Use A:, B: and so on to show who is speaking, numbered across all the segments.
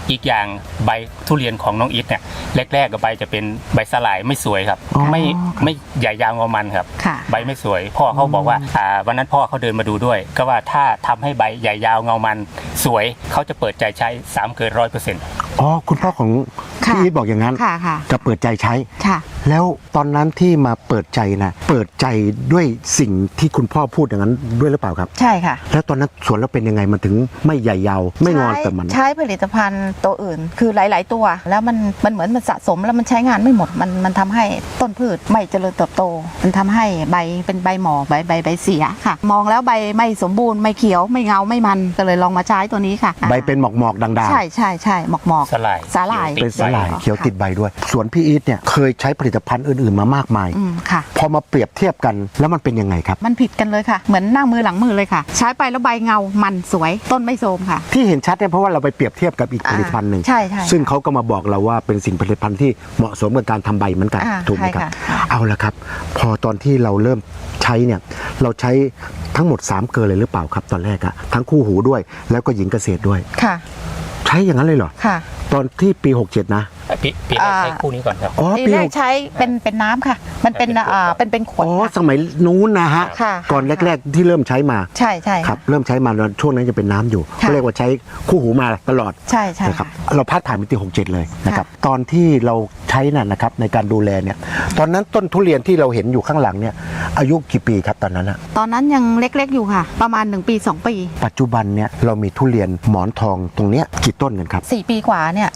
A: อีกอย่างใบทุเรียนของน้องอิทเนี่ยแรกๆกับใบจะเป็นใบสลายไม่สวยครับไม่ใหญ่ยาวงอมันครับใบไม่สวยพ่อเขาบอกว่าวันนั้นพ่อเขาเดินมาดูด้วยก็ว่าถ้าทำให้ใบใหญ่ยาวเงามันสวยเขาจะเปิดใจใช้3เกิน100%
B: อ๋อคุณพ่อของพี่อีทบอกอย่างนั้นจะเปิดใจใช้แล้วตอนนั้นที่มาเปิดใจนะเปิดใจด้วยสิ่งที่คุณพ่อพูดอย่างนั้นด้วยหรือเปล่าครับ
C: ใช่ค่ะ
B: แล้วตอนนั้นสวนเราเป็นยังไงมันถึงไม่ใหญ่ยาวไม่งอนแต่มัน
C: ใช้ผลิตภัณฑ์ตัวอื่นคือหลายๆตัวแล้วมันเหมือนมันสะสมแล้วมันใช้งานไม่หมดมันทำให้ต้นพืชไม่เจริญเติบโตมันทำให้ใบเป็นใบหมอกใบเสียค่ะมองแล้วใบไม่สมบูรณ์ไม่เขียวไม่เงาไม่มันก็เลยลองมาใช้ตัวนี้ค่ะ
B: ใบเป็นหมอกๆด่าง
C: ๆใช่หมอก
A: สลาย
B: เป็นสลายเขียวติดใบด้วยสวนพี่อีทเนี่ยเคยใช้ผลิตภัณฑ์อื่นๆมามากมาย
C: ค่ะ
B: พอมาเปรียบเทียบกันแล้วมันเป็นยังไงครับ
C: มันผิดกันเลยค่ะเหมือนหน้ามือหลังมือเลยค่ะใช้ไปแล้วใบเงามันสวยต้นไม่โทรมค่ะ
B: ที่เห็นชัดเนี่ยเพราะว่าเราไปเปรียบเทียบกับอีกผลิตภัณฑ์หนึ่ง
C: ใช่
B: ซึ่งเขาก็มาบอกเราว่าเป็นสิ่งผลิตภัณฑ์ที่เหมาะสมกับการทำใบเหมือนกันถูกไหมครับเอาละครับพอตอนที่เราเริ่มใช้เนี่ยเราใช้ทั้งหมด3เกลือเลยหรือเปล่าครับตอนแรกอะทั้งคู่หูด้วยแล้วก็หญิงเกษตรด้วย
C: ค่ะ
B: ใช้อย่างนั้นเลยเหรอ
C: ค่ะ
B: ตอนที่ปี67นะ
A: ปีแรกใช้คู่นี้ก่อนครับ
C: ปีแรกใช้เป็นน้ำค่ะมันเป็นขวด
B: สมัยนู้นนะฮะก่อนแรกๆที่เริ่มใช้มา
C: ใช่
B: ครับเริ่มใช้มาช่วงนั้นจะเป็นน้ำอยู่ก็เรียกว่าใช้คู่หูมาตลอด
C: ใช่
B: นะครับเราพาดผ่านปี67เลยนะครับตอนที่เราใช้น่ะนะครับในการดูแลเนี่ยตอนนั้นต้นทุเรียนที่เราเห็นอยู่ข้างหลังเนี่ยอายุกี่ปีครับตอนนั้นอะ
C: ตอนนั้นยังเล็กๆอยู่ค่ะประมาณ1 ปี 2 ปี
B: ปัจจุบันเนี่ยเรามีทุเรียนหมอนทองตรงเนี้ยกี่ต้นกันครับ
C: 4 ปีกว่าเนี่ย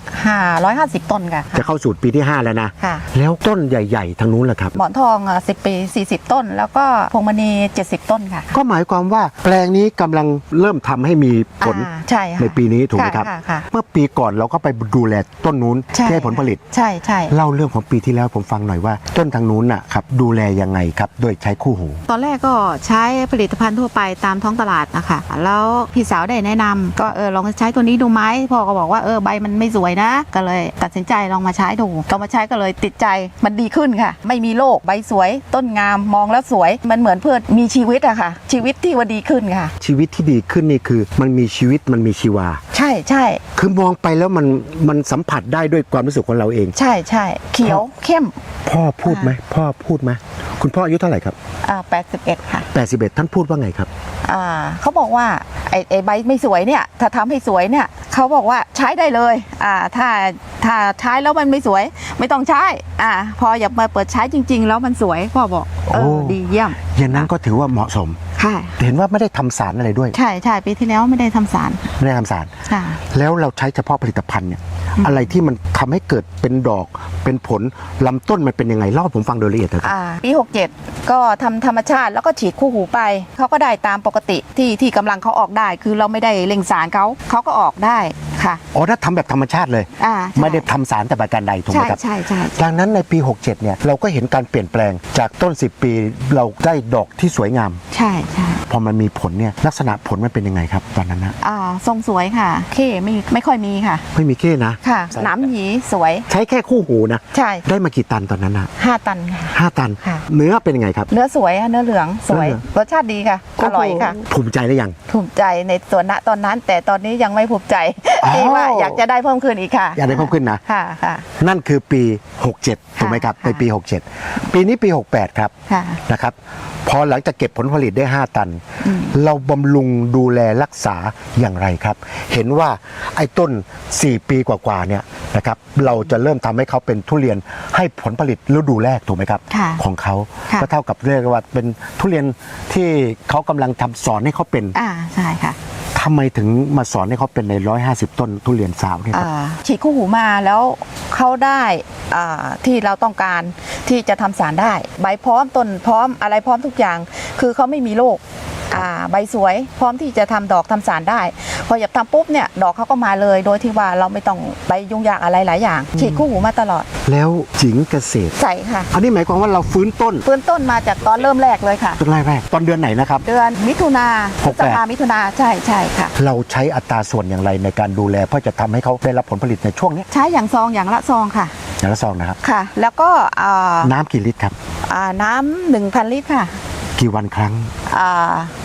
C: 550 ต้นค่ะ
B: จะเข้าสู่ปีที่5แล้วนะแล้วต้นใหญ่ๆทางนู้นแหละครับ
C: หมอนทอง10 ปี40 ต้นแล้วก็พวงมณี70 ต้นค่ะ
B: ก็หมายความว่าแปลงนี้กำลังเริ่มทำให้มีผลในปีนี้ถูกไหมครับเมื่อปีก่อนเราก็ไปดูแลต้นนู้นให้ผลผลิต
C: ใช่
B: เล่าเรื่องของปีที่แล้วผมฟังหน่อยว่าต้นทางนู้นน่ะครับดูแลยังไงครับโดยใช้คู่หู
C: ตอนแรกก็ใช้ผลิตภัณฑ์ทั่วไปตามท้องตลาดนะคะแล้วพี่สาวได้แนะนำก็ลองใช้ตัวนี้ดูไหมพ่อก็บอกว่าใบมันไม่สวยนะก็เลยตัดสินใจลองมาใช้ดูก็มาใช้ก็เลยติดใจมันดีขึ้นค่ะไม่มีโรคใบสวยต้นงามมองแล้วสวยมันเหมือนเพื่อมีชีวิตอะค่ะชีวิตที่ว่าดีขึ้นค่ะ
B: ชีวิตที่ดีขึ้นนี่คือมันมีชีวิตมันมีชีวา
C: ใช่
B: คือมองไปแล้วมันสัมผัสได้ด้วยความรู้สึกของเราเอง
C: ใช่เขียวเข้ม
B: พ่อพูดไหมคุณพ่ออายุเท่าไหร่ครับ
C: 81ค่ะ
B: 81ท่านพูดว่าไงครับ
C: เขาบอกว่าไอ้ใบไม่สวยเนี่ยถ้าทำให้สวยเนี่ยเขาบอกว่าใช้ได้เลยถ้าใช้แล้วมันไม่สวยไม่ต้องใช้พออยากมาเปิดใช้จริงๆแล้วมันสวยพ่อบอกดีเยี่ยม
B: อย่างนั้นก็ถือว่าเหมาะสมเห็นว่าไม่ได้ทำสารอะไรด้วย
C: ใช่ปีที่แล้วไม่ได้ทำสาร
B: แล้วเราใช้เฉพาะผลิตภัณฑ์เนี่ยอะไรที่มันทำให้เกิดเป็นดอกเป็นผลลำต้นมันเป็นยังไงเล่าผมฟังโดยละเอียดเลยครับ
C: ปี67ก็ทำธรรมชาติแล้วก็ฉีดคู่หูไปเขาก็ได้ตามปกติที่กำลังเขาออกได้คือเราไม่ได้เล็งสารเขาก็ออกได้ค่ะ
B: ถ้าทำแบบธรรมชาติเลยไม่ได้ทำสารแต่ประการใดถูกไหมครับ
C: ใช่
B: ดังนั้นในปี67เนี่ยเราก็เห็นการเปลี่ยนแปลงจากต้น10 ปีเราได้ดอกที่สวยงาม
C: ใช่
B: พอมันมีผลเนี่ยลักษณะผลมันเป็นยังไงครับตอนนั้นนะ
C: ทรงสวยค่ะเข้ไม่ค่อยมีค่ะ
B: ไม่มีเข้นะ
C: ค่ะน้ำหยีสวย
B: ใช้แค่คู่หูนะ
C: ใช่
B: ได้มากี่ตันตอนนั้นนะ
C: 5 ตันค่ะ
B: 5 ตันเนื้อเป็นยังไงครับ
C: เนื้อสวยเนื้อเหลืองสวยรสชาติดีค่ะอร่อยค่ะ
B: ภูมิใจหรือยัง
C: ภูมิใจในส่วนณตอนนั้นแต่ตอนนี้ยังไม่ภูมิใจที่ว่าอยากจะได้เพิ่มขึ้นอีกค่ะ
B: อยากได้เพิ่มขึ้นนะ
C: ค่ะ
B: นั่นคือปี67ถูกไหมครับในปี67ปีนี้ปี68ครับนะครับพอหลังจากเก็บผลผลิตได้5 ตันเราบำรุงดูแลรักษาอย่างไรครับเห็นว่าไอ้ต้น4 ปีกว่าๆเนี่ยนะครับเราจะเริ่มทำให้เขาเป็นทุเรียนให้ผลผลิตฤดูแรกถูกไหมครับของเขาก็เท่ากับเรียกว่าเป็นทุเรียนที่เขากำลังทำสอนให้เขาเป็น
C: ใช่ค่ะ
B: ทำไมถึงมาสอนให้เขาเป็นใน150 ต้นทุเรียนสาวเนี่ยครับ
C: ฉีดคู่หูมาแล้วเขาได้ที่เราต้องการที่จะทำสารได้ใบพร้อมต้นพร้อมอะไรพร้อมทุกอย่างคือเขาไม่มีโรคใบสวยพร้อมที่จะทำดอกทำสารได้พออยากทำปุ๊บเนี่ยดอกเขาก็มาเลยโดยที่ว่าเราไม่ต้องไปยุ่งยากอะไรหลายอย่างฉีดคู่หูมาตลอด
B: แล้วจิ๋งเกษตร
C: ใช่ค่ะ
B: อันนี้หมายความว่าเราฟื้นต้น
C: มาจากตอนเริ่มแรกเลยค่ะ
B: ต้นแรกตอนเดือนไหนนะครับ
C: เดือนมิถุนาพฤษภามิถุนาใช่ค่ะ
B: เราใช้อัตราส่วนอย่างไรในการดูแลเพื่อจะทำให้เขาได้รับผลผลิตในช่วงนี้
C: ใช้อย่างซองอย่างละซองค่ะ
B: อย่างละซองนะครับ
C: ค่ะแล้วก็
B: น้ำกี่ลิตรครับ
C: น้ำ1,000 ลิตรค่ะ
B: กี่วันครั้ง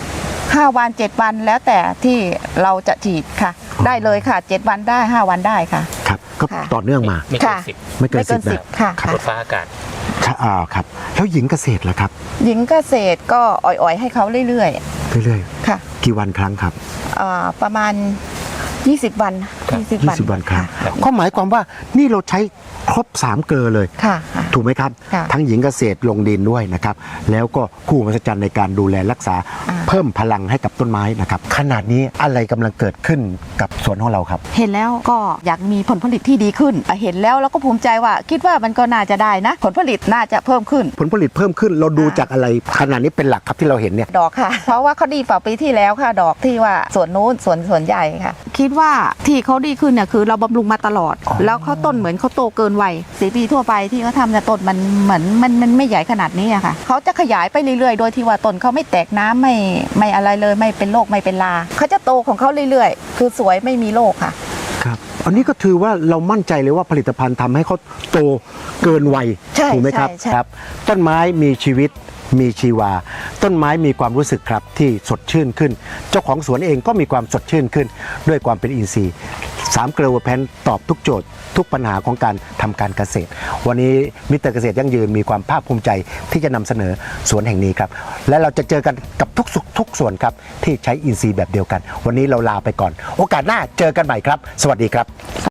C: 5 วัน 7 วันแล้วแต่ที่เราจะฉีดค่ะ ได้เลยค่ะ 7 วันได้ 5 วันได้ค่ะ
B: ครับก็
C: ค่ะ
B: ต่อเนื่องมา
A: ไม่เกิน
C: ค่ะ
A: สิบ
B: ไม่เกิน
C: ไม่เกิน
B: 10
C: 10
B: นะ
C: ค่ะ
A: รถฟ้าอากาศ
B: ครับแล้วหญิงเกษตรล่ะครับ
C: หญิงเกษตรก็อ่อยๆให้เขาเรื่อย
B: เรื่อย
C: ๆค่ะ
B: ๆกี่วันครั้งครับ
C: ประมาณ 20 วัน
B: 20 วันครั้ง
A: ครับ
B: ก็หมายความว่านี่เราใช้ครบ3เกลอเลย
C: ค่ะ
B: ถูกไหมครับ
C: ค่ะ
B: ทั้งหญิงเกษตรลงดินด้วยนะครับ แล้วก็คู่มหัศจรรย์ในการดูแลรักษา เพิ่มพลังให้กับต้นไม้นะครับ ขนาดนี้อะไรกำลังเกิดขึ้นกับสวนของเราครับ
C: เห็นแล้วก็อยากมีผลผลิตที่ดีขึ้นเห็นแล้วเราก็ภูมิใจว่าคิดว่ามันก็น่าจะได้นะ ผลผลิตน่าจะเพิ่มขึ้น
B: ผลผลิตเพิ่มขึ้นเราดูจากอะไรขนาดนี้เป็นหลักครับที่เราเห็นเนี่ย
C: ดอกค่ะ เพราะว่าเขาดีฝ่าปีที่แล้วค่ะ ดอกที่ว่าสวนนู้นสวนใหญ่ค่ะ คิดว่าที่เขาดีขึ้นเนี่ยคือเราบำรุงมาตลอด แล้วเขาต้นเหมือนเขาโตเกินวัย4 ปีทั่วไปที่เขาทำเนี่ยต้นมันเหมือนมันไม่ใหญ่ขนาดนี้อะค่ะเขาจะขยายไปเรื่อยๆ โดยที่ว่าต้นเขาไม่แตกน้ำไม่อะไรเลยไม่เป็นโรคไม่เป็นลาเขาจะโตของเขาเรื่อยๆ คือสวยไม่มีโรคค่ะ
B: ครับ อันนี้ก็ถือว่าเรามั่นใจเลยว่าผลิตภัณฑ์ทำให้เขาโตเกินวัย
C: ใช่
B: ถูกไหมครับ
C: ใช่
B: ครับ ต้นไม้มีชีวิตมีชีวา ต้นไม้มีความรู้สึกครับที่สดชื่นขึ้น เจ้าของสวนเองก็มีความสดชื่นขึ้น ด้วยความเป็นอินทรีย์3เกลือแพนตอบทุกโจทย์ ทุกปัญหาของการทำการเกษตร วันนี้มิสเตอร์เกษตรยั่งยืนมีความภาคภูมิใจที่จะนำเสนอสวนแห่งนี้ครับและเราจะเจอกันกับทุกส่วนครับที่ใช้อินทรีย์แบบเดียวกัน วันนี้เราลาไปก่อน โอกาสหน้าเจอกันใหม่ครับ สวัสดีครับ